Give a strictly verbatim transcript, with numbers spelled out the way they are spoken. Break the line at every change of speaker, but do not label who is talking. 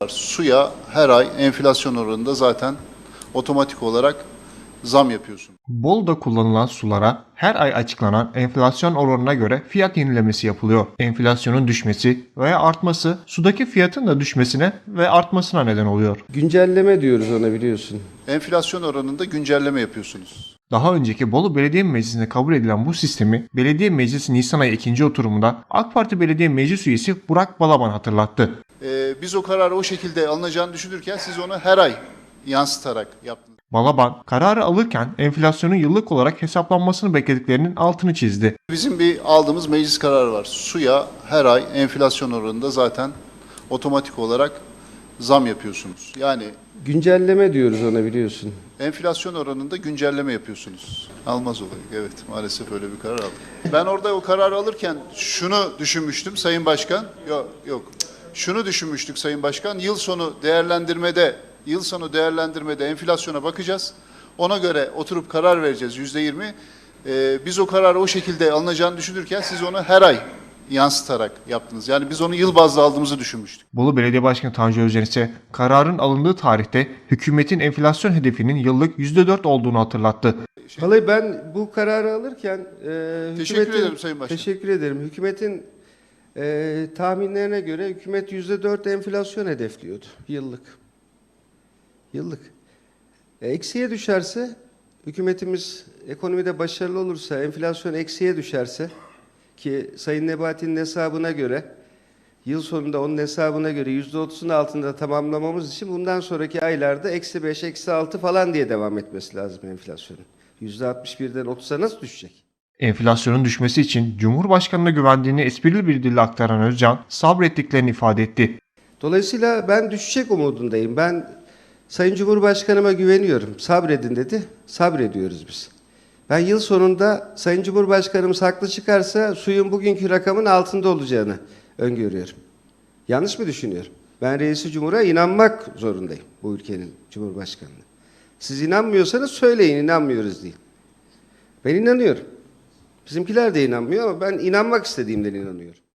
Suya her ay enflasyon oranında zaten otomatik olarak zam yapıyorsun.
Bolu'da kullanılan sulara her ay açıklanan enflasyon oranına göre fiyat yenilemesi yapılıyor. Enflasyonun düşmesi veya artması sudaki fiyatın da düşmesine ve artmasına neden oluyor.
Güncelleme diyoruz ona, biliyorsun.
Enflasyon oranında güncelleme yapıyorsunuz.
Daha önceki Bolu Belediye Meclisi'nde kabul edilen bu sistemi Belediye Meclisi Nisan ayı ikinci oturumunda AK Parti Belediye Meclis Üyesi Burak Balaban hatırlattı.
Ee, biz o kararı o şekilde alınacağını düşünürken siz onu her ay yansıtarak yaptınız.
Balaban, kararı alırken enflasyonun yıllık olarak hesaplanmasını beklediklerinin altını çizdi.
Bizim bir aldığımız meclis kararı var. Suya her ay enflasyon oranında zaten otomatik olarak zam yapıyorsunuz. Yani
Güncelleme diyoruz ona, biliyorsun.
enflasyon oranında güncelleme yapıyorsunuz. Almaz olayı. Evet, maalesef öyle bir karar aldık. Ben orada o kararı alırken şunu düşünmüştüm Sayın Başkan. Yok, yok. Şunu düşünmüştük Sayın Başkan. Yıl sonu değerlendirmede, yıl sonu değerlendirmede enflasyona bakacağız. Ona göre oturup karar vereceğiz yüzde yirmi. Ee, biz o kararı o şekilde alınacağını düşünürken siz onu her ay yansıtarak yaptınız. Yani biz onu yıl bazlı aldığımızı düşünmüştük.
Bolu Belediye Başkanı Tanju Özcan ise kararın alındığı tarihte hükümetin enflasyon hedefinin yıllık yüzde dört olduğunu hatırlattı.
Vallahi ben bu kararı alırken e,
Teşekkür
hükümetin-
ederim Sayın Başkan.
Teşekkür ederim. Hükümetin e, tahminlerine göre hükümet yüzde dört enflasyon hedefliyordu yıllık. Yıllık. E, eksiye düşerse, hükümetimiz ekonomide başarılı olursa, enflasyon eksiye düşerse, ki Sayın Nebati'nin hesabına göre yıl sonunda onun hesabına göre yüzde otuzun altında tamamlamamız için bundan sonraki aylarda eksi beş, eksi altı falan diye devam etmesi lazım enflasyonun. Yüzde altmış birden otuza nasıl düşecek?
Enflasyonun düşmesi için Cumhurbaşkanı'na güvendiğini esprili bir dille aktaran Özcan sabrettiklerini ifade etti.
Dolayısıyla ben düşecek umudundayım. Ben Sayın Cumhurbaşkanıma güveniyorum. Sabredin dedi. Sabrediyoruz biz. Ben yıl sonunda Sayın Cumhurbaşkanımız haklı çıkarsa suyun bugünkü rakamın altında olacağını öngörüyorum. Yanlış mı düşünüyorum? Ben Reis-i Cumhur'a inanmak zorundayım, bu ülkenin Cumhurbaşkanı'na. Siz inanmıyorsanız söyleyin, inanmıyoruz deyin. Ben inanıyorum. Bizimkiler de inanmıyor ama ben inanmak istediğimden inanıyorum.